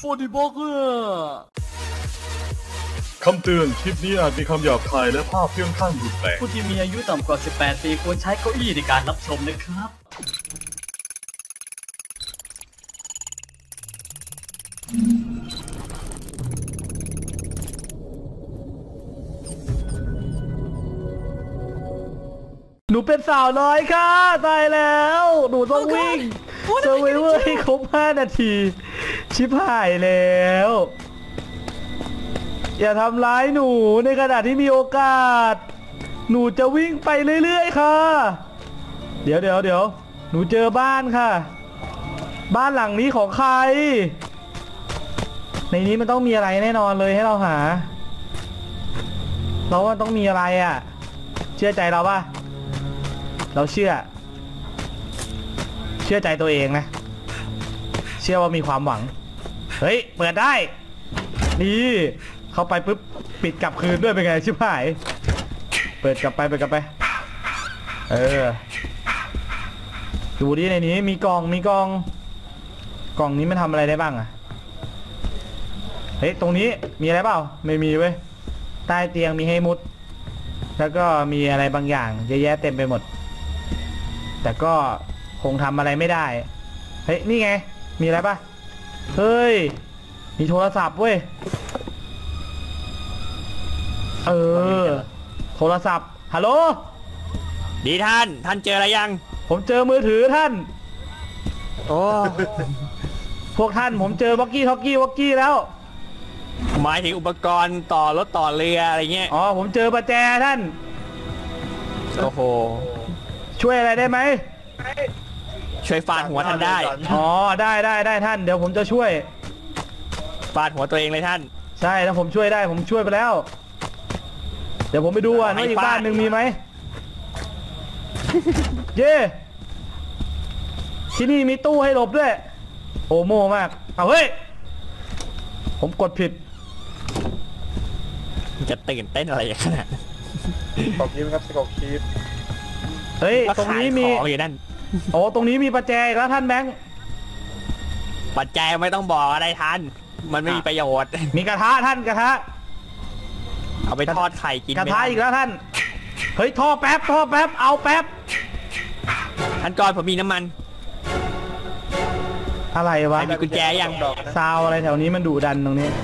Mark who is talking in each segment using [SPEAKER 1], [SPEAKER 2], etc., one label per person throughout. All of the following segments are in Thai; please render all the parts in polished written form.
[SPEAKER 1] 40 บล็อก
[SPEAKER 2] คำเตือนคลิปนี้อาจมีคำหยาบคายและภาพเพื่อนข้างรุนแรง
[SPEAKER 1] ผู้ที่มีอายุต่ำกว่า 18 ปีควรใช้เก้าอี้ในการรับชมนะครับ
[SPEAKER 3] หนูเป็นสาวน้อยค่ะตายแล้วหนูต้องวิ่งเซอร์ไวเวอร์ให้ครบ5 นาทีชิบหายแล้วอย่าทำร้ายหนูในขณะที่มีโอกาสหนูจะวิ่งไปเรื่อยๆค่ะเดี๋ยวหนูเจอบ้านค่ะบ้านหลังนี้ของใครในนี้มันต้องมีอะไรแน่นอนเลยให้เราหาเราว่าต้องมีอะไรอ่ะเชื่อใจเราป่ะเราเชื่อใจตัวเองนะเชื่อว่ามีความหวังเฮ้ยเปิดได้นี่เข้าไปปุ๊บปิดกลับคืนด้วยเป็นไงชิบหายเปิดกลับไปดูดิในนี้มีกล่องนี้มันทำอะไรได้บ้างอะเฮ้ยตรงนี้มีอะไรเปล่าไม่มีเว้ยใต้เตียงมีให้มุดแล้วก็มีอะไรบางอย่างเยอะแยะเต็มไปหมดแต่ก็คงทำอะไรไม่ได้เฮ้ยนี่ไงมีอะไรป่ะเฮ้ยมีโทรศัพท์เว้ยโทรศัพท์ฮัลโหล
[SPEAKER 4] ดีท่านเจออะไรยัง
[SPEAKER 3] ผมเจอมือถือท่าน
[SPEAKER 4] โอ้
[SPEAKER 3] พวกท่านผมเจอวอกกี้แล้ว
[SPEAKER 4] หมายถึงอุปกรณ์ต่อรถต่อเรืออะไรเงี้ย
[SPEAKER 3] อ๋อผมเจอประแจท่าน
[SPEAKER 4] โอ้โห
[SPEAKER 3] ช่วยอะไรได้ไหม
[SPEAKER 4] ช่วยฟาดหัวท่านได้
[SPEAKER 3] อ๋อได้ท่านเดี๋ยวผมจะช่วย
[SPEAKER 4] ฟาดหัวตัวเองเลยท่าน
[SPEAKER 3] ใช่ถ้าผมช่วยได้ผมช่วยไปแล้วเดี๋ยวผมไปดูว่าอีกบ้านหนึ่งมีไหมเย่ที่นี่มีตู้ให้หลบด้วยโอโม่มากเอาเฮ้ยผมกดผิด
[SPEAKER 4] จะตื่นเต้นอะไรขนาด
[SPEAKER 5] กดคลิปครับกดคลิป
[SPEAKER 3] เฮ้ยตรงนี้มี
[SPEAKER 4] นั่น
[SPEAKER 3] โอ้ตรงนี้มีประแจแล้วท่านแบงค์
[SPEAKER 4] ประแจไม่ต้องบอกอะไรท่านมันไม่มีประโยชน์
[SPEAKER 3] มีกระทะท่านกระทะ
[SPEAKER 4] เอาไปทอดไข่กิน
[SPEAKER 3] กระทะอีกแล้วท่านเฮ้ยท่อแป๊บเอาแป๊บ
[SPEAKER 4] ท่านก่อนผมมีน้ำมัน
[SPEAKER 3] อะไรวะ
[SPEAKER 4] มีกุญแจยัง
[SPEAKER 3] ซาวอะไรแถวนี้มันดุดันตรงนี้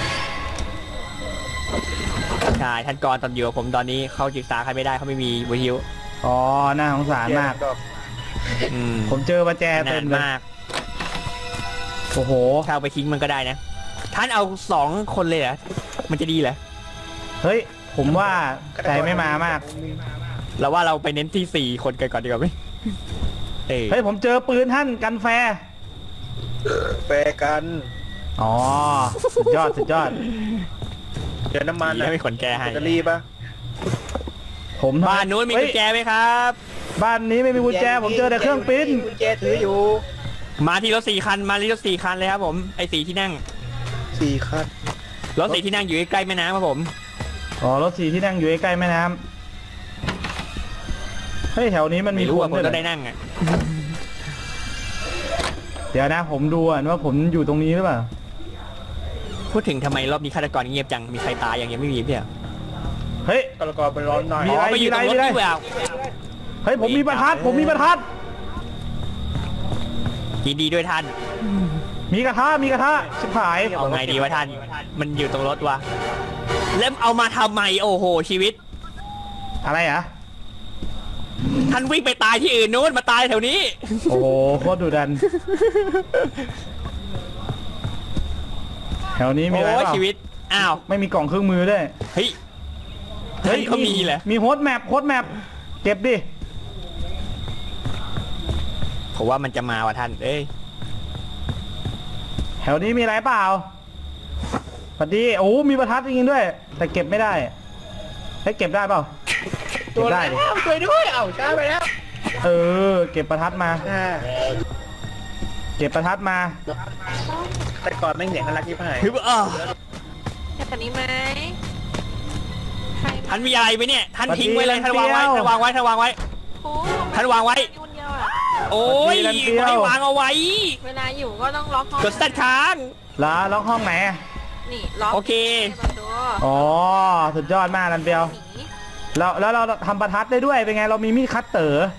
[SPEAKER 4] ใช่ท่านก่อนตอนอยู่กับผมตอนนี้เขาศึกษาใครไม่ได้เขาไม่มีวิทยุ
[SPEAKER 3] อ๋อน่าสงสารมากผมเจอประแจเต็มมากโอ้โห
[SPEAKER 4] ถ้าเอาไปทิ้งมันก็ได้นะท่านเอา2 คนเลยเหรอมันจะดีเหรอ
[SPEAKER 3] เฮ้ยผมว่าใจไม่มามาก
[SPEAKER 4] แล้วว่าเราไปเน้นที่4 คนกันก่อนดีกว่าไหม
[SPEAKER 3] เฮ้ยผมเจอปืนท่านกันแฟร์
[SPEAKER 5] กัน
[SPEAKER 3] อ๋อสุดยอด
[SPEAKER 5] เจอน้ำมัน
[SPEAKER 4] แล้วมีขนแกให้
[SPEAKER 5] จะรีบป่ะ
[SPEAKER 3] ผม
[SPEAKER 4] บ้านนู้นมีกุญแจไหมครับ
[SPEAKER 3] บ้านนี้ไม่มีกุญแจผมเจอแต่เครื่องปิ้น
[SPEAKER 5] กุญแจถืออยู่
[SPEAKER 4] มาที่รถ4 คันเลยครับผมไอ้4 ที่นั่ง
[SPEAKER 5] 4 คัน
[SPEAKER 4] รถ4 ที่นั่งอยู่ใกล้แม่น้ำครับผม
[SPEAKER 3] อ๋อรถ4 ที่นั่งอยู่ใกล้แม่น้ำเฮ้ยแถวนี้มันมีคน
[SPEAKER 4] ก็ได้นั่งอ่ะ
[SPEAKER 3] เดี๋ยวนะผมดูว่าผมอยู่ตรงนี้หรือเปล่า
[SPEAKER 4] พูดถึงทำไมรอบนี้ฆาตกรเงียบจังมีใครตายยังไม่มีเปล่า
[SPEAKER 3] เฮ้ย
[SPEAKER 5] ฆาตกรไปร้อนหน่อย
[SPEAKER 3] มีอะไร
[SPEAKER 4] อยู่ตรงรถนี่เปล่า
[SPEAKER 3] เฮ้ยผมมีประทัด
[SPEAKER 4] ยินดีด้วยท่าน
[SPEAKER 3] มีกระทะชิบหาย
[SPEAKER 4] เอาไงดีวะท่านมันอยู่ตรงรถวะแล้วเอามาทำไมโอ้โหชีวิต
[SPEAKER 3] อะไรอ่ะ
[SPEAKER 4] ท่านวิ่งไปตายที่อื่นนู้นมาตายแถวนี้
[SPEAKER 3] โอ้โหโคตรดุดันแถวนี้มีอะไรบ้าง
[SPEAKER 4] ชีวิตอ้าว
[SPEAKER 3] ไม่มีกล่องเครื่องมือด้วย
[SPEAKER 4] เฮ้ยเขามีเหรอ
[SPEAKER 3] มีโฮสต์แมปเก็บดิ
[SPEAKER 4] ผมว่ามันจะมาว่ะท่าน
[SPEAKER 3] แถวนี้มีอะไรเปล่าพอดีโอ้มีประทัดจริงๆด้วยแต่เก็บไม่ได้ให้เก็บได้เปล่า
[SPEAKER 5] ตัวได้ช่วยด้วยช้าไปแล้ว
[SPEAKER 3] เก็บประทัดมา
[SPEAKER 5] แต่ก่อนไม่เห็นน่ารักที่ผ่าน
[SPEAKER 6] แบบนี้ไหม
[SPEAKER 4] ท่านมีอะไรไหมเนี่ยท่านทิ้งไว้เลยท่านวางไว้ท่านวางไว้โอ้ยไม่วางเอาไว้
[SPEAKER 6] เวลาอยู่ก็ต้องล็อกห้อง
[SPEAKER 4] กดสตาร์ทค้าง
[SPEAKER 3] ล็อกห้องไหนอะ
[SPEAKER 6] นี่ล็อก
[SPEAKER 4] โอเค
[SPEAKER 6] เปิดดู
[SPEAKER 3] อ๋อสุดยอดมากลันเปียว
[SPEAKER 6] หนี
[SPEAKER 3] แล้วเราทำประทัดได้ด้วยเป็นไงเรามีมีดคัตเตอร์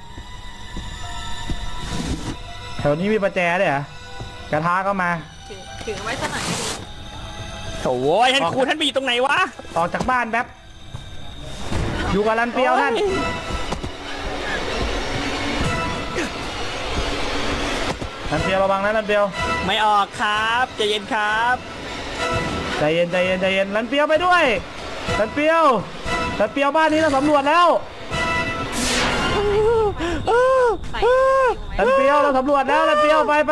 [SPEAKER 3] แถวนี้มีประแจด้วยเหรอกระทะก็มา
[SPEAKER 6] ถือไว้สักหน่อยก็ดี
[SPEAKER 4] โถ่ท่านครูท่านไปอยู่ตรงไหนวะ
[SPEAKER 3] ออกจากบ้านแป๊บอยู่กับลันเปียวท่านลันเปียวระวังนะลันเปียว
[SPEAKER 4] ไม่ออกครับใจเย็นครับ
[SPEAKER 3] ใจเย็นใจเย็นใจเย็นลันเปียวไปด้วยลันเปียวบ้านนี้เราสำรวจแล้ว
[SPEAKER 6] ใส่
[SPEAKER 3] ลันเปียวเราสำรวจแล้วลันเปียวไป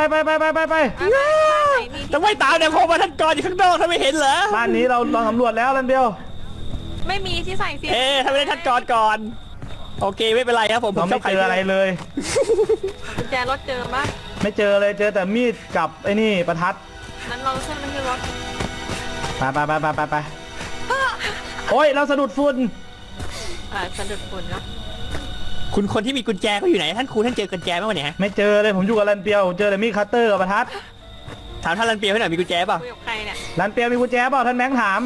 [SPEAKER 4] ต้องไม่ตามเนี่ยพอมาท่านกรอยู่ข้างนอกท่านไม่เห็นเหรอ
[SPEAKER 3] บ้านนี้เราสำรวจแล้วลันเปียว
[SPEAKER 6] ไม่มีที่ใส่สิ
[SPEAKER 4] ถ้าไม่ได้ท่านกรก่อนโอเคไม่เป็นไรครับผม
[SPEAKER 3] เราไม่เจออะไรเลย
[SPEAKER 6] กุญแจรถเจอปะ
[SPEAKER 3] ไม่เจอเลยเจอแต่มีดกับไอ้นี่ประทัด
[SPEAKER 6] นั้นเราขึ้นมาที่รถ
[SPEAKER 3] ไปโอ้ยเราสะดุดฝุ่น
[SPEAKER 6] สะดุดฝุ่นเนาะ
[SPEAKER 4] คุณคนที่มีกุญแจเขาอยู่ไหนท่านครูท่านเจอกุญแจไหมวะเนี่ย
[SPEAKER 3] ไม่เจอเลยผมอยู่กับลันเปียวเจอแต่มีดคัตเตอร์กับประทัด
[SPEAKER 4] ถามท่านรันเปียวให้หน่อยมีกุญแจเปล่า
[SPEAKER 6] คุยกับใครเนี่ย
[SPEAKER 3] ลันเปียวมีกุญแจเปล่าท่านแบงค์ถาม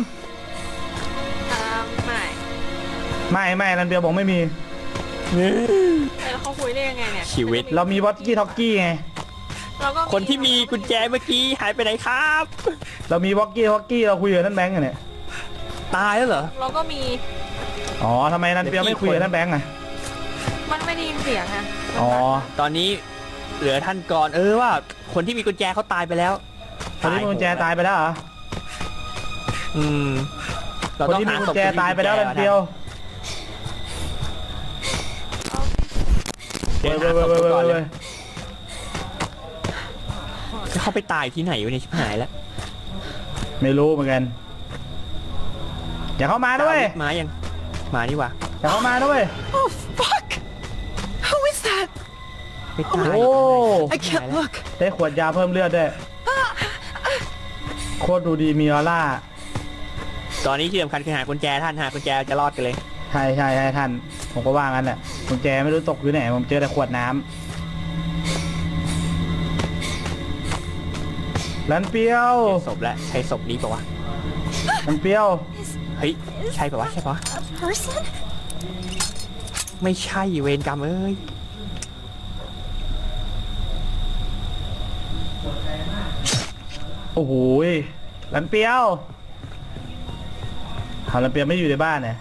[SPEAKER 6] ไม่
[SPEAKER 3] ไม่ลันเปียวบอกไม่มี
[SPEAKER 6] แล้วเขาคุยได้ยังไงเนี่ย
[SPEAKER 4] ชีวิต
[SPEAKER 3] เรามีวอตกี้ท็อกกี้ไง
[SPEAKER 6] เราก็
[SPEAKER 4] คนที่มีกุญแจเมื่อกี้หายไปไหนครับ
[SPEAKER 3] เรามีวอตกี้ท็อกกี้เราคุยกับท่านแบงค์กันเนี่ย
[SPEAKER 4] ตายแล้วเหรอ
[SPEAKER 6] เราก็มี
[SPEAKER 3] อ๋อทำไมลันเปียวไม่คุยกับท่านแบงค์อ่ะ
[SPEAKER 6] มันไม่ได้ยินเสียงอะ
[SPEAKER 3] อ๋อ
[SPEAKER 4] ตอนนี้เหลือท่านก่อนว่าคนที่มีกุญแจเขาตายไปแล้ว
[SPEAKER 3] คนที่มีกุญแจตายไปแล้วเหรอ
[SPEAKER 4] เรา
[SPEAKER 3] คน
[SPEAKER 4] ต้อง
[SPEAKER 3] ที่มี
[SPEAKER 4] หา
[SPEAKER 3] กุ
[SPEAKER 4] ศ
[SPEAKER 3] ญ
[SPEAKER 4] พ
[SPEAKER 3] แจตายไปแล้วลันเปียว
[SPEAKER 4] เดี๋ยวหาศพก่อนเลยจะเข้าไปตายที่ไหนวะเนี่ยชิบหายแล้ว
[SPEAKER 3] ไม่รู้เหมือนกันอย่าเข้ามาด้วย
[SPEAKER 4] มายังมานี่วะ
[SPEAKER 3] อย่าเข้ามาด้วย
[SPEAKER 7] Oh, fuck! Who is that?
[SPEAKER 4] ไปตาย
[SPEAKER 3] โอ้
[SPEAKER 7] I can't look.
[SPEAKER 3] ได้ขวดยาเพิ่มเลือดด้วยโคตรดูดีมีออร่า
[SPEAKER 4] ตอนนี้ที่สำคัญคือหากุญแจท่านหากุญแจจะรอดกันเลย
[SPEAKER 3] ใช่ท่านผมก็ว่างั้นแหละกุญแจไม่รู้ตกอยู่ไหนผมเจอแต่ขวดน้ำลันเปียว
[SPEAKER 4] ศพแล้วใช่ศพนี้ปะวะ
[SPEAKER 3] ลันเปียว
[SPEAKER 4] เฮ้ยใช่ปะวะใช่ปะวะ
[SPEAKER 7] A person?
[SPEAKER 4] ไม่ใช่เวรกรรมเอ้ย
[SPEAKER 3] โอ้โหลันเปียวเอาลันเปียวไม่อยู่ในบ้านเนี่ย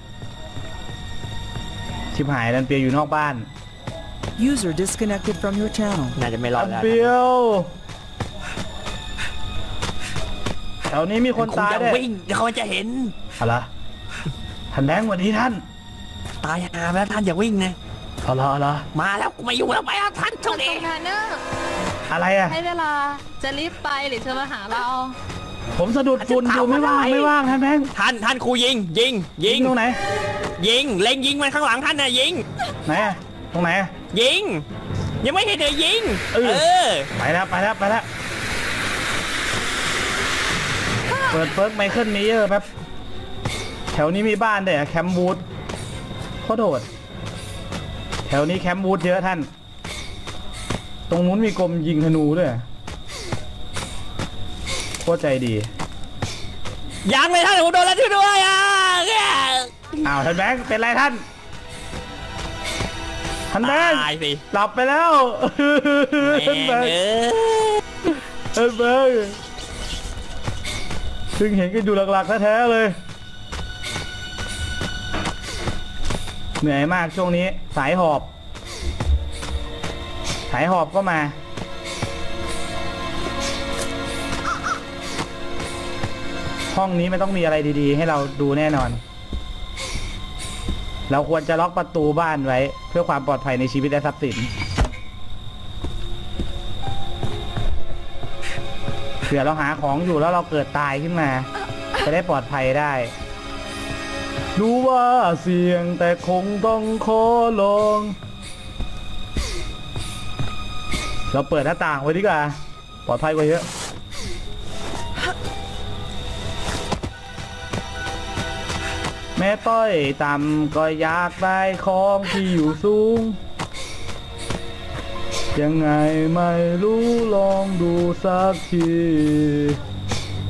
[SPEAKER 3] ชิบหายลันเปียวอยู่นอกบ้าน
[SPEAKER 8] User disconnected from your channel.
[SPEAKER 4] น่าจะไม่รอ
[SPEAKER 3] ลั
[SPEAKER 4] ด
[SPEAKER 3] น
[SPEAKER 4] แล้ว
[SPEAKER 3] เปียวแถวนี้มีคน
[SPEAKER 4] คง
[SPEAKER 3] ตาย
[SPEAKER 4] จะ
[SPEAKER 3] ด้วย
[SPEAKER 4] วิ่งเดี๋ยวเขาจะเห็น
[SPEAKER 3] อะไรท่านแบงค์สวัสดีท่าน
[SPEAKER 4] ตายหาไปแล้วท่านอย่าวิ่งนะ
[SPEAKER 3] เอาละ
[SPEAKER 4] มาแล้วกูไม่อยู่แล้วไปแล้วท่านโชคดี
[SPEAKER 6] แพนเนอร์
[SPEAKER 3] อะไรอะ
[SPEAKER 6] ให้เวลาจะรีบไปหรือจะมาหาเรา
[SPEAKER 3] ผมสะดุดฝุ่นอยู่ไม่ว่างท่านแบงค์
[SPEAKER 4] ท่านครูยิง
[SPEAKER 3] ตรงไหน
[SPEAKER 4] ยิงเล็งยิงมันข้างหลังท่านนะยิง
[SPEAKER 3] ไหนอะตรงไหนอะ
[SPEAKER 4] ยิงยังไม่เห็นเลยยิง
[SPEAKER 3] เออ
[SPEAKER 4] อ
[SPEAKER 3] ไปแล้วเปิดเฟิร์กไมเคิลเมเยอร์แป๊บแถวนี้มีบ้านด้วยอะแคมป์วูดโคตรโหดแถวนี้แคมป์วูดเยอะท่าน ตรงนู้นมีกรมยิงธนูด้วยโคตรใจดี
[SPEAKER 4] ยังเลยท่านผมโดนแล้วช่วยด้วยอ่ะ
[SPEAKER 3] อ้าวท่านแบงค์เป็นไรท่านแบงค์
[SPEAKER 4] ตายสิ
[SPEAKER 3] หลับไปแล้วท่านแบงค์ท่านแบงค์ซึ่งเห็นกันอยู่หลักๆแท้ๆเลยเหนื่อยมากช่วงนี้สายหอบก็มาห้องนี้ไม่ต้องมีอะไรดีๆให้เราดูแน่นอนเราควรจะล็อกประตูบ้านไว้เพื่อความปลอดภัยในชีวิตและทรัพย์สินเผื่อเราหาของอยู่แล้วเราเกิดตายขึ้นมาจะได้ปลอดภัยได้รู้ว่าเสี่ยงแต่คงต้องขอลองเราเปิดหน้าต่างไว้ดีกว่าปลอดภัยกว่าเยอะแม่ต้อยต่ำก็อยากได้ของที่อยู่สูงยังไงไม่รู้ลองดูสักที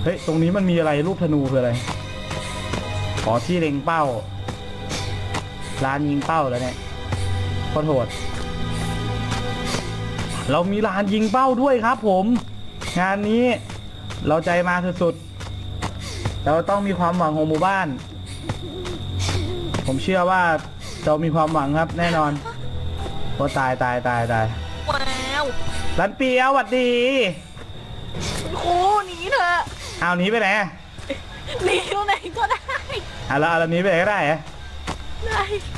[SPEAKER 3] เฮ้ยตรงนี้มันมีอะไรรูปธนูคืออะไรขอที่เล็งเป้าร้านยิงเป้าแล้วเนี่ยขอโทษเรามีลานยิงเป้าด้วยครับผมงานนี้เราใจมาสุดๆเราต้องมีความหวังของหมู่บ้านผมเชื่อว่าเรามีความหวังครับแน่นอนโอ้ตาย
[SPEAKER 6] ว้าว
[SPEAKER 3] รันเปียวสวัสดี
[SPEAKER 6] คุณครูหนีเถอะ
[SPEAKER 3] เอาหนีไปไหน
[SPEAKER 6] หนีตรงไหนก็ได้
[SPEAKER 3] แล้วเอาหนีไปไหนก็ได้เหรอ
[SPEAKER 6] ได้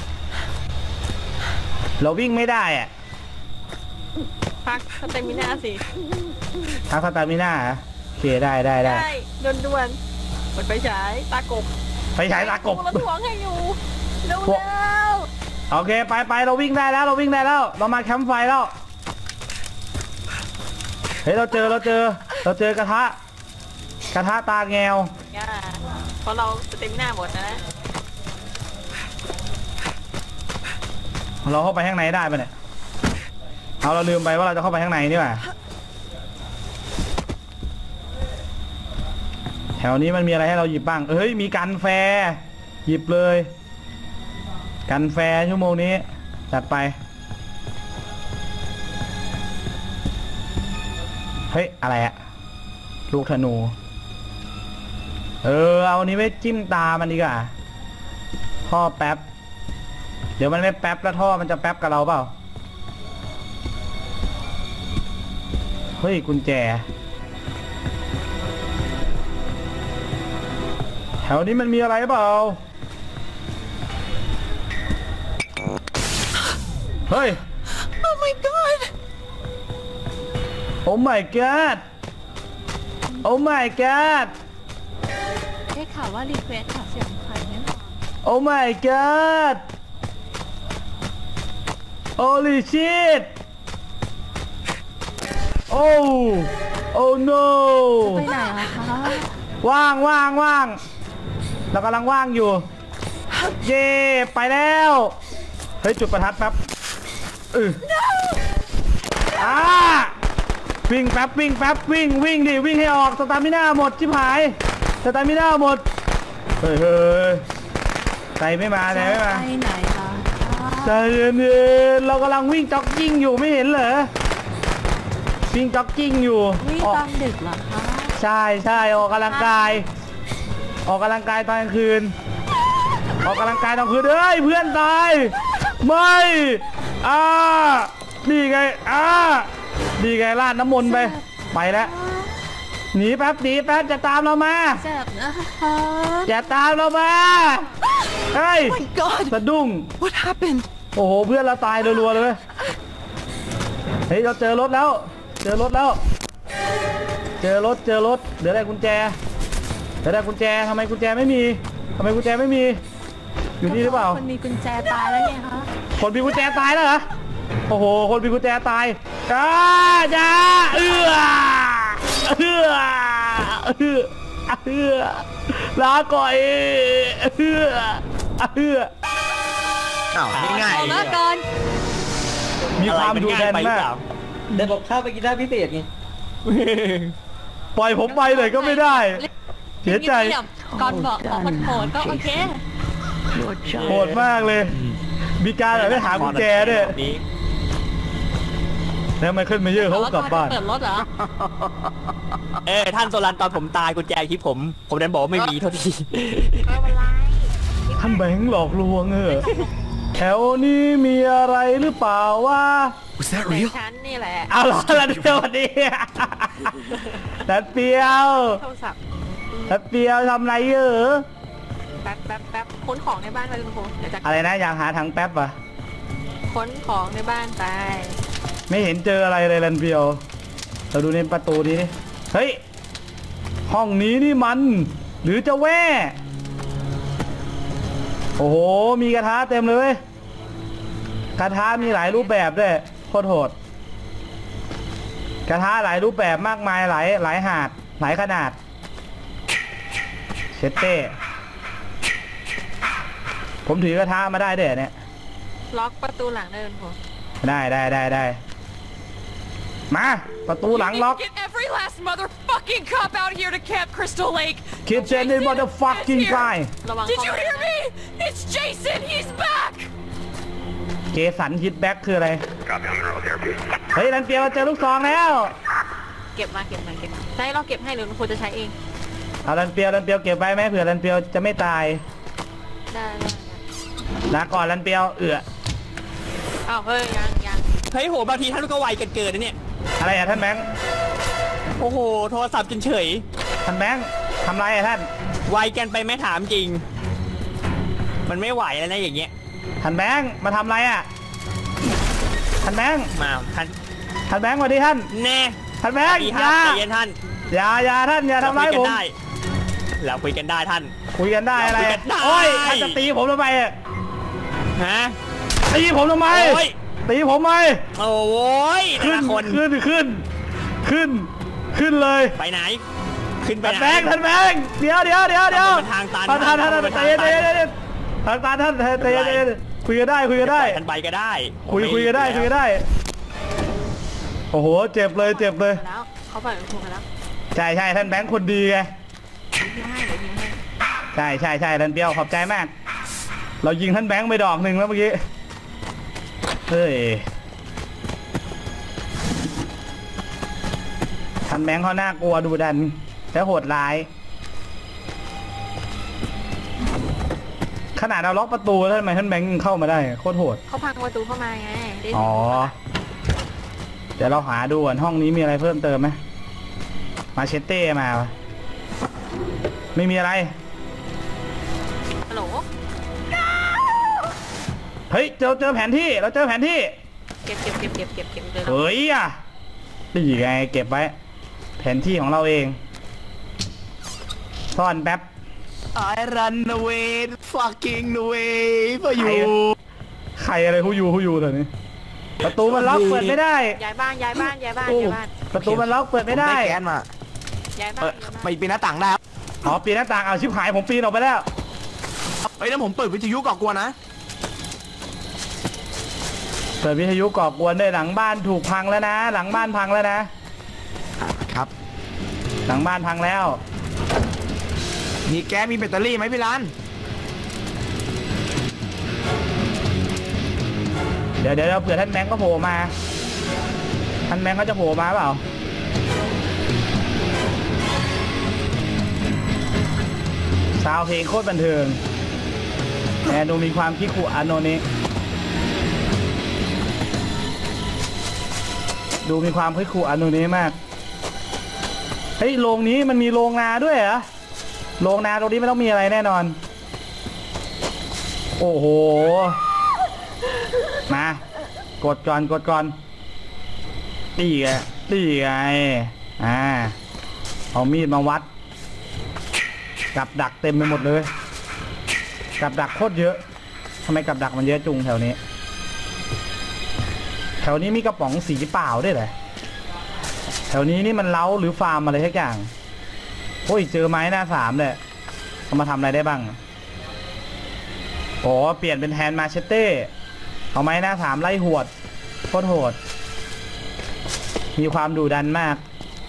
[SPEAKER 3] เราวิ่งไม่ได้อะ
[SPEAKER 6] พักสเตมิน่าสิ
[SPEAKER 3] ทักสตามิน่าเหรอโอเคได้
[SPEAKER 6] ด่วนๆมันไปฉายตากบ
[SPEAKER 3] ไปฉายตากบ
[SPEAKER 6] เราถ่วงให้อยู่เร็ว
[SPEAKER 3] โอเคไปเราวิ่งได้แล้วเรามาแคมป์ไฟแล้วเฮ้ยเราเจอกระทะตาแงว
[SPEAKER 6] เพราะเราสเตมิน่าหมดนะ
[SPEAKER 3] เราเข้าไปข้างในได้ปะเนี่ยเราลืมไปว่าเราจะเข้าไปข้างในนี่หว่าแถวนี้มันมีอะไรให้เราหยิบบ้างเฮ้ยมีกันแฟหยิบเลยกันแฟชั่วโมงนี้จัดไปเฮ้ยอะไรอะลูกธนูเอาอันนี้ไม่จิ้มตามันดีกว่าท่อแป๊บเดี๋ยวมันไม่แป๊บแล้วท่อมันจะแป๊บกับเราเปล่าเฮ้ยกุญแจแถวนี้มันมีอะไรเปล่าเฮ้ย
[SPEAKER 7] Oh my god!
[SPEAKER 3] Oh my god Oh my god
[SPEAKER 6] ได้ข่าวว่ารีเควสข่าวเสียงใครเนี่ย
[SPEAKER 3] Oh my god Holy shit Oh no
[SPEAKER 6] ไปไหนอะคะ
[SPEAKER 3] ว่างเรากำลังว่างอยู่เย่ไปแล้วเฮ้ยจุดประทัดแป๊บวิ่งแป๊บวิ่งดิวิ่งให้ออกสตามิน่าหมดชิบหายสตามิน่าหมดเฮ้ยใจไม่มาไปไหนคะใจเย็นเรากำลังวิ่งจ็อกกิ้งอยู่ไม่เห็นเหรอวิ่งจ็อกกิ้งอยู่
[SPEAKER 6] วิ่งตอนดึกเหรอคะ
[SPEAKER 3] ใช่ออกกำลังกายตอนกลางคืนเฮ้ยเพื่อนตายไม่ดีไงลาดน้ำมนต์ไปแล้วหนีแป๊บจะตามเรามา
[SPEAKER 6] เจ็บนะคะ
[SPEAKER 3] อย่าตามเรามาเฮ้ย
[SPEAKER 7] Oh my god!
[SPEAKER 3] สะดุ้ง
[SPEAKER 7] What happened?
[SPEAKER 3] โอ้โหเพื่อนเราตายรัวๆเลยเฮ้ยเราเจอรถแล้วเจอรถเดี๋ยวได้กุญแจทำไมกุญแจไม่มีอยู่นี่หรือเปล่า
[SPEAKER 6] คนมีกุญแจตายแล้วไงคะ
[SPEAKER 3] คนมีกุญแจตายแล้วเหรอโอ้โหคนมีกุญแจตายจ้าลาก่อย
[SPEAKER 5] ง่าย
[SPEAKER 6] มาก่อน
[SPEAKER 3] มีความดูแลมาก
[SPEAKER 5] เดี๋ยวบอกข้าไปกินได้พิเศษไง
[SPEAKER 3] ปล่อยผมไปเลยก็ไม่ได้เสียใจ
[SPEAKER 6] ก่อนบอกมันโหดก็โอเค
[SPEAKER 3] โหดมากเลยมีการแบบไม่หากุญแจด้วยแล้วมันขึ้นมาเยอะเขากลับบ้าน
[SPEAKER 6] เปิดรถเหรอ
[SPEAKER 4] ท่านโซลันตอนผมตายกุญแจคลิปผมดันบอกว่าไม่มีเท่าที่
[SPEAKER 3] ท่านแบงค์หลอกลวงแถวนี้มีอะไรหรือเปล่าวะ
[SPEAKER 7] Was that real?
[SPEAKER 6] ฉันนี่แหละ
[SPEAKER 3] เอาล่ะลันเปียวดีลันเปียว
[SPEAKER 6] โทรศัพท์
[SPEAKER 3] ลันเปียวทำไร
[SPEAKER 6] แป๊บค้นของในบ้านไปคุณครู
[SPEAKER 3] อะไรนะอยากหาถังแป๊บวะ
[SPEAKER 6] ค้นของในบ้านไป
[SPEAKER 3] ไม่เห็นเจออะไรเลยลันเปียวเราดูในประตูนี้ดิเฮ้ยห้องนี้นี่มันหรือจะแว่โอ้โหมีกระทะเต็มเลยกระทะมีหลายรูปแบบด้วยโคตรโหดกระทะหลายรูปแบบมากมายหลายหาดหลายขนาดเชตเต้ผมถือกระทะมาได้ด้วยเนี่ย
[SPEAKER 6] ล็อกประตูหลังได้คุณครู
[SPEAKER 3] ได้มาประตูหลังล็อก
[SPEAKER 6] last motherfucking cop out here to Camp Crystal Lake.
[SPEAKER 3] Kitchen is motherfucking guy
[SPEAKER 6] ระวัง Did you hear me? It's Jason. He's back.
[SPEAKER 3] เจสันฮิตแบ็กคืออะไรเฮ้ยรันเปียวเจอลูกซองแล้ว
[SPEAKER 6] เก็บมาใช้เราเก็บให้หรือควรจะใช้เอง
[SPEAKER 3] เอารันเปียวเก็บไว้ไหมเผื่อรันเปียวจะไม่ตาย
[SPEAKER 6] ได้
[SPEAKER 3] ลาก่อนรันเปียว
[SPEAKER 6] อ้าวเฮ้ยยัง
[SPEAKER 4] เฮ้ยโหบางทีท่านก็ไวเกินนะเนี่ย
[SPEAKER 3] อะไรอะท่านแบงค์
[SPEAKER 4] โอ้โหโทรศัพท์จนเฉย
[SPEAKER 3] ท่านแบงค์ทำไรอะท่าน
[SPEAKER 4] ไวกันไปไม่ถามจริงมันไม่ไหวแล้วนะอย่างเงี้ย
[SPEAKER 3] ท่านแบงค์มาทำไรอะท่านแบงค์
[SPEAKER 4] มา
[SPEAKER 3] ท่านแบงค์สวัสดีท่าน
[SPEAKER 4] แน่
[SPEAKER 3] ท่านแบงค์
[SPEAKER 4] อย่าใจเย็นท่าน
[SPEAKER 3] อย่าท่านอย่าทำร้ายผม
[SPEAKER 4] เราคุยกันได้ท่าน
[SPEAKER 3] คุยกันได้อะไร
[SPEAKER 4] โอ้ย
[SPEAKER 3] ท่านจะตีผมทำไมอะ
[SPEAKER 4] ฮะ
[SPEAKER 3] ตีผมทำไมตีผมไหม
[SPEAKER 4] โอ้ยขึ้
[SPEAKER 3] นเลย
[SPEAKER 4] ไปไหนขึ้นไปไหน
[SPEAKER 3] ท่านแบงค์เดี๋ยว
[SPEAKER 4] ทางตัน
[SPEAKER 3] ท่านใจเย็นทางตันท่านใจเย็นคุยกันได้
[SPEAKER 4] ท่านไปก็ได้
[SPEAKER 3] คุยกันได้โอ้โหเจ็บเลย
[SPEAKER 6] แล้วเขาปล่อยมันถูกไปแล้ว
[SPEAKER 3] ใช่ท่านแบงค์คนดีไงใช่ท่านเปียวขอบใจมากเรายิงท่านแบงค์ไปดอกหนึ่งแล้วเมื่อกี้เฮ้ยท่านแบงค์เขาน่ากลัวดูดันและโหดร้ายขนาดเราล็อกประตูแล้วทำไมท่านแบงค์เข้ามาได้โคตรโหด
[SPEAKER 6] เขาพังประตูเข้ามาไง
[SPEAKER 3] อ๋อเดี๋ยวเราหาดูก่อนห้องนี้มีอะไรเพิ่มเติมไหมมาเชตเต้มาไม่มีอะไร
[SPEAKER 6] ฮัลโหล
[SPEAKER 3] เฮ้ยเจอแผนที่เราเจอแผนที่
[SPEAKER 6] เก็บ
[SPEAKER 3] เฮ้ยอ่ะนี่ไงเก็บไว้แผนที่ของเราเองซ่อนแป๊บ
[SPEAKER 7] I run away fucking away for you
[SPEAKER 3] ใครอะไรฮูยูเถอะนี่ประตูมันล็อกเปิดไม่ได้
[SPEAKER 6] ย้ายบ้าน
[SPEAKER 3] ประตูมันล็อกเปิดไม่ได้
[SPEAKER 7] แกนมา
[SPEAKER 6] ย้ายบ้าน
[SPEAKER 7] ไม่ปีนหน้าต่างได้
[SPEAKER 3] อ๋อปีนหน้าต่างเอาชิบหายผมปีนออกไปแล้ว
[SPEAKER 7] เฮ้ยแล้วผมเปิดวิทยุก่อกวนนะ
[SPEAKER 3] เปิดวิทยุก่อกวนด้วยหลังบ้านถูกพังแล้วนะหลังบ้านพังแล้วนะครับหลังบ้านพังแล้ว
[SPEAKER 7] มีแก๊สมีแบตเตอรี่ไหมพี่รัน
[SPEAKER 3] เดี๋ยวเผื่อท่านแบงก์ก็โผล่มาท่านแบงก์ก็จะโผล่มาเปล่าซาวเพลงโคตรบันเทิงแต่ดูมีความคิคุอันโนนี้ดูมีความคิคุอันโนนี้มากเฮ้ยโรงนี้มันมีโรงนาด้วยเหรอโรงนาตรงนี้ไม่ต้องมีอะไรแน่นอนโอ้โหมากดก่อนตีไงเอามีดมาวัดกับดักเต็มไปหมดเลยกับดักโคตรเยอะทำไมกับดักมันเยอะจุงแถวนี้มีกระป๋องสีเปล่าด้วยเหรอแถวนี้นี่มันเล้าหรือฟาร์มอะไรทุกอย่างโอ้ยเจอไม้หน้าสามเลยเอามาทำอะไรได้บ้างโอ้เปลี่ยนเป็นแฮนด์มาเชตเต้เอาไม้หน้าสามไล่หวดโคตรโหดมีความดุดันมาก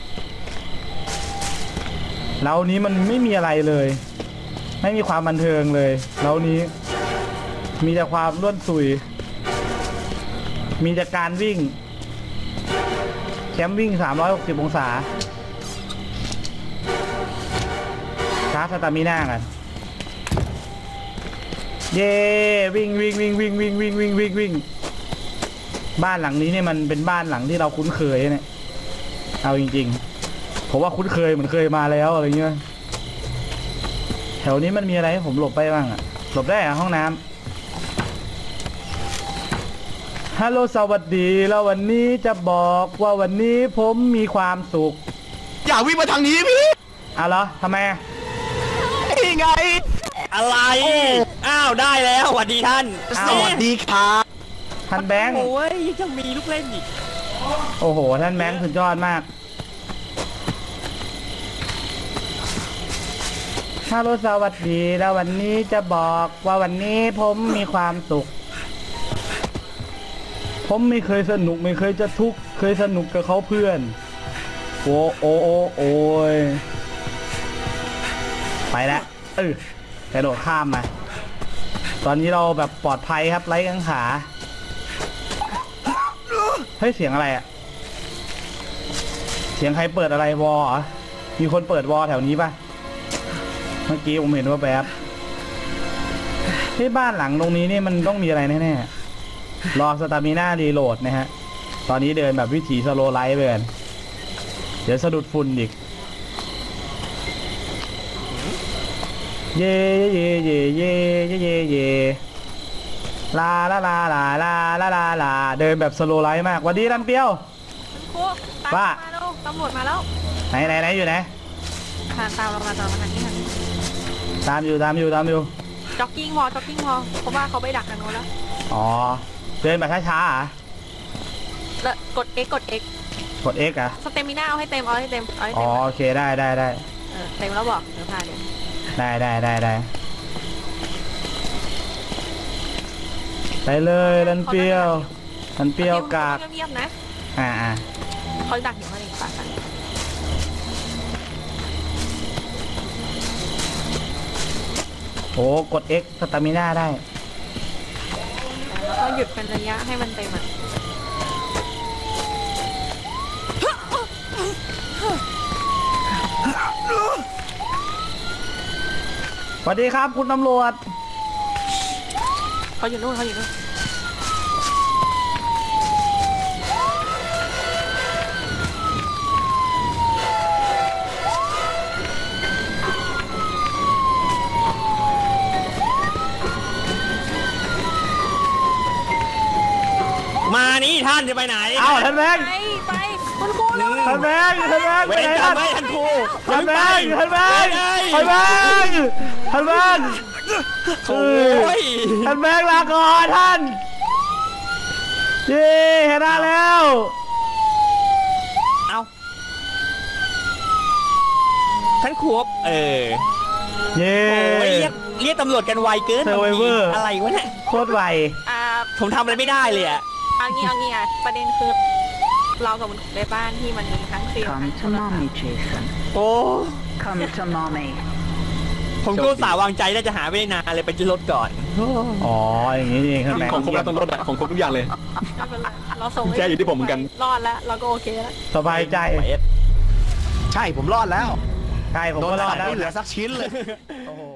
[SPEAKER 3] แล้วนี้มันไม่มีอะไรเลยไม่มีความบันเทิงเลยแล้วนี้มีแต่ความล้วนสุยมีแต่การวิ่งแคมป์วิ่ง360องศาชาร์จสตามิน่ากันเย้วิ่งบ้านหลังนี้เนี่ยมันเป็นบ้านหลังที่เราคุ้นเคยเนี่ยเอาจริงๆผมว่าคุ้นเคยเหมือนเคยมาแล้วอะไรเงี้ยแถวนี้มันมีอะไรให้ผมหลบไปบ้างอะหลบได้อะห้องน้ำฮัลโหลสวัสดีแล้ววันนี้จะบอกว่าวันนี้ผมมีความสุข
[SPEAKER 7] อย่าวิ่งมาทางนี้พี่
[SPEAKER 3] เอาเหรอทำไม
[SPEAKER 7] นี่ไง
[SPEAKER 4] อะไรอ้าวได้แล้วสวัสดีท่าน
[SPEAKER 7] สวัสดีครับ
[SPEAKER 3] ท่านแบงค์
[SPEAKER 4] โอ้ยยังมีลูกเล่นอีก
[SPEAKER 3] โอ้โหท่านแบงค์สุดยอดมากฮัลโหลสวัสดีแล้ววันนี้จะบอกว่าวันนี้ผมมีความสุขผมไม่เคยสนุกไม่เคยจะทุกข์เคยสนุกกับเขาเพื่อนโอ้โอ้โอ้โอ้ยไปแล้วกระโดดข้ามมาตอนนี้เราแบบปลอดภัยครับไร้กังขาเฮ้ยเสียงอะไรอะเสียงใครเปิดอะไรวอลเหรอมีคนเปิดวอลแถวนี้ป่ะเมื่อกี้ผมเห็นว่าแบบที่บ้านหลังตรงนี้นี่มันต้องมีอะไรแน่ๆรอสตามิน่ารีโหลดนะฮะตอนนี้เดินแบบวิถีสโลไลท์ไปกันเดี๋ยวสะดุดฝุ่นอีกเย่เย่เย่เย่เย่เย่เย่ลาลาลาลาลาลาลาลาเดินแบบสโลไลท์มากวันดีรันเปียว
[SPEAKER 6] ครูตามมาแล้วตำรวจมาแล้ว
[SPEAKER 3] ไหนอยู่ไหน
[SPEAKER 6] ตามเรามาทางนี้
[SPEAKER 3] ตามอยู่
[SPEAKER 6] จ็อกกิ้งพอเพราะว่าเขาไปดักทางโน้นแล้ว
[SPEAKER 3] อ๋อเดินแบบช้าๆอ่ะ
[SPEAKER 6] แล้วกด X
[SPEAKER 3] กด X อ่ะ
[SPEAKER 6] สเตมิน่าเอาให้เต็ม
[SPEAKER 3] อ๋อโอเคได้
[SPEAKER 6] เต็มแล้วบอกเดี๋ยวพาเดี๋ยว
[SPEAKER 3] ได้ไปเลยรันเปียวกาก
[SPEAKER 6] เงียบๆนะ เขาดักอยู่ข้างในป่ากัน
[SPEAKER 3] โอ้กด X สตามิน่าได้
[SPEAKER 6] แล้วก็หยุดเป็นระยะให้มันเต็มอ่ะ
[SPEAKER 3] สวัสดีครับคุณตำรวจ
[SPEAKER 6] เขาอยู่นู่น
[SPEAKER 4] มานี่ท่านจะไปไหน
[SPEAKER 3] อ้าวท่านแบงค์
[SPEAKER 6] ไปคุณครู
[SPEAKER 3] ท่านแบงค์
[SPEAKER 4] ไปไหนท่านครู
[SPEAKER 3] ท่านแบงค์
[SPEAKER 4] โอ้ย
[SPEAKER 3] ท่านแบงค์ลาก่อนท่านเย้เห็นแล้ว
[SPEAKER 4] เอาท่านครู
[SPEAKER 3] เย้
[SPEAKER 4] เรียกตำรวจกันไวเกินอะไรวะเนี่ย
[SPEAKER 3] โคตรไว
[SPEAKER 4] ผมทำอะไรไม่ได้เลยอ่ะ
[SPEAKER 6] เอางี้ประเด็นคือเรากับคุณในบ้านที่มันมีทั้งฟิล
[SPEAKER 8] Come to mommy, Jason.
[SPEAKER 4] โอ้
[SPEAKER 8] Come to mommy.
[SPEAKER 4] ผมก็สาวางใจน่าจะหาไม่ได้นานเลยไปที่รถก่อน
[SPEAKER 3] อ๋ออย่างนี้เองครับ
[SPEAKER 2] ของครบแล้วต้องรถอะของครบทุกอย่างเลย
[SPEAKER 6] เราส่ง
[SPEAKER 2] แค่อยู่ที่ผมเหมือนกัน
[SPEAKER 6] รอดแล้วเราก็โอเคแล้ว
[SPEAKER 3] สบายใจ
[SPEAKER 7] ใช่ผมรอดแล้ว
[SPEAKER 3] ใช่ผมก็รอดแล้ว
[SPEAKER 7] ไม่เหลือสักชิ้นเลย
[SPEAKER 3] โอ้โห